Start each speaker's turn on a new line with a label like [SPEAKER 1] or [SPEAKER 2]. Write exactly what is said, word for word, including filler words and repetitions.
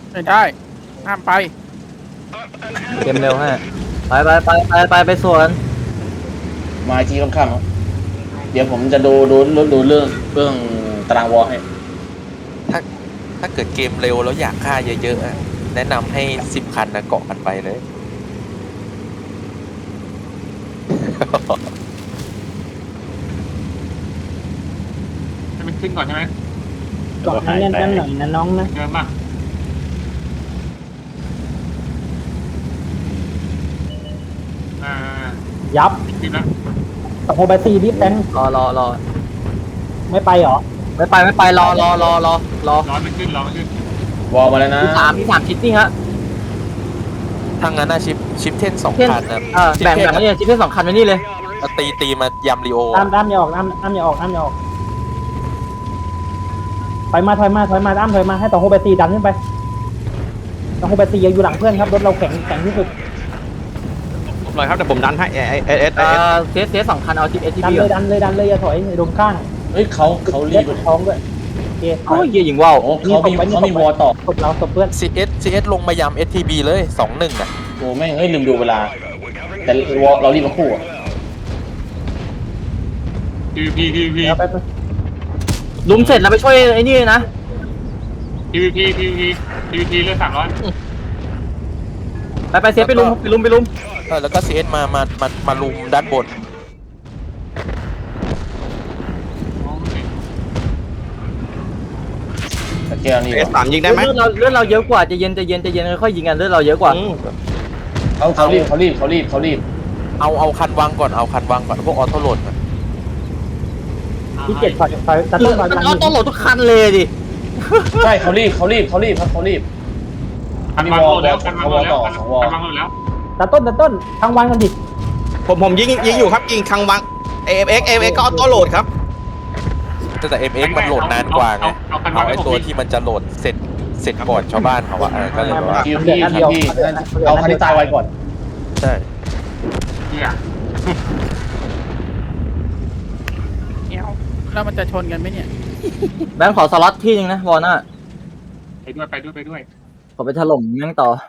[SPEAKER 1] ไม่ได้ห้ามไป
[SPEAKER 2] เกมเร็วฮะไปไปไปไปไปไปสวน
[SPEAKER 3] มาอีกทีค่ำๆครับเดี๋ยวผมจะดูดูดูดูเรื่องเรื่องตารางวอลให้
[SPEAKER 4] ถ้าถ้าเกิดเกมเร็วแล้วอยากฆ่าเยอะๆอะแนะนำให้สิบคันนะเกาะกันไปเลย
[SPEAKER 5] ให้มันขึ้นก่อนใช่ไหม
[SPEAKER 6] เกาะให้แน่นๆหน่อยนะน้องนะ
[SPEAKER 5] เดินมาอ่า
[SPEAKER 6] ยับ
[SPEAKER 5] ขึ้นแล้ว
[SPEAKER 6] ตะโพไปซีรีบแตง
[SPEAKER 2] รอรอรอ
[SPEAKER 6] ไม่ไปเหรอ
[SPEAKER 2] ไม่ไปไม่ไปรอรอรอรอรอ
[SPEAKER 5] ร้อนมันขึ้นร้อนมันขึ้น
[SPEAKER 3] วอลมาแล้วนะ
[SPEAKER 2] ที่สามที่สามชิดนี่ฮะ
[SPEAKER 4] ทางนั้นนะชิปชิปเทนสอง
[SPEAKER 2] เช่น
[SPEAKER 4] คันนะ
[SPEAKER 2] เออแบ่งแบ่งไว้เนี่ยชิดเพื่อนสองคันไว้นี่เลย
[SPEAKER 4] เอาตีตีมายำรีโอ
[SPEAKER 6] อ้ามอ้ามอย่าออกอ้ามอ้ามอย่าออกอ้ามอย่าออกถอยมาถอยมาถอยมาอ้ามถอยมาให้ตะโพไปซีดันขึ้นไปตะโพไปซีอยู่หลังเพื่อนครับรถเราแข็งแข็งที่สุด
[SPEAKER 7] ผมเลยครับเดี๋ยวผมดันให้เอเอเอส
[SPEAKER 2] เออเซสเซสสองคันเอาชิปเอสที
[SPEAKER 6] ดัน
[SPEAKER 2] บี
[SPEAKER 6] เลยดันเลยดันเลยอย่าถอยอย่าโดนข้าง
[SPEAKER 3] เฮ้ยเขาเขารีบ
[SPEAKER 6] เล็ดท้องด้วยโอเค
[SPEAKER 2] โอ้ยเยี่ยยิงว่าว
[SPEAKER 3] โอ้เขามีเขามีวอลต่อ
[SPEAKER 6] ตบเราตบเพื่อน
[SPEAKER 4] ซีเอสซีเอสลงมายำเอสทีบีเลยสองหนึ่งอ่ะ
[SPEAKER 3] โอ้แม่งเฮ้ยลืมดูเวลา แต่วอลเรารีบมาคู่อะ
[SPEAKER 5] พีพีพีพี
[SPEAKER 6] แล้วไปไป
[SPEAKER 2] ลุมเสร็จแล้วไปช่วยไอ้นี่นะ
[SPEAKER 5] พีพีพีพีพีพีเลือดสามร้อย
[SPEAKER 2] ไปไปเซฟไปลุมไปลุมไปลุม
[SPEAKER 4] เออแล้วก็ซีเอสมามามามาลุมด้านบน
[SPEAKER 3] แต่แก้วนี่
[SPEAKER 7] เอสสามยิงได้ไหม
[SPEAKER 2] เลือดเราเลือดเราเยอะกว่าใจะเย็นใจะเย็นใจะเย็นค่อยๆยิงกันเลือดเราเยอะกว่า
[SPEAKER 7] อืม
[SPEAKER 3] เขาเขารีบเขารีบเขารีบเขารีบ
[SPEAKER 4] เอาเอาคันวางก่อนเอาคันวางก่อนพวกออโต้โหลดก่อน
[SPEAKER 6] ที่เจ็ดถอยถอยตัด
[SPEAKER 2] มั
[SPEAKER 6] ต้
[SPEAKER 2] น
[SPEAKER 6] นถอย
[SPEAKER 2] มัน
[SPEAKER 6] หลัง
[SPEAKER 2] เอาต้องโหลดทุกคันเลยดิ
[SPEAKER 3] ใช่เขารีบเขารีบเขารีบครับเขารีบ
[SPEAKER 5] คันวางโหลดแล้วคันวางโหลดแล้วคันวางโหลดแล้ว
[SPEAKER 6] ตัดต้นตัดต้นทางวันกันดิ
[SPEAKER 7] ผมผมยิงยิงอยู่ครับยิงคังวังเอฟเอ็กเอฟเอ็กก็ออโต้โหลดครับ
[SPEAKER 4] แต่แต่เอ็มเอ็กมันโหลดนานกว่าไงเอาไอ้ตัวที่มันจะโหลดเสร็จเสร็จก่อนชาวบ้านเขาอะเออก็เลยแบบว่า
[SPEAKER 3] คิวพี่คิวพี่เอาคันที่ตายไว้ก่อน
[SPEAKER 4] ใช่
[SPEAKER 5] เนี่ย
[SPEAKER 1] เงี้ยวแล้วมันจะชนกันไหมเนี่ย
[SPEAKER 2] แบงค์ขอสล็อตที่นึงนะวอร์น่า
[SPEAKER 5] ไปด้วยไปด้วยไปด้วย
[SPEAKER 2] ขอไปถล่มแม่งต่อ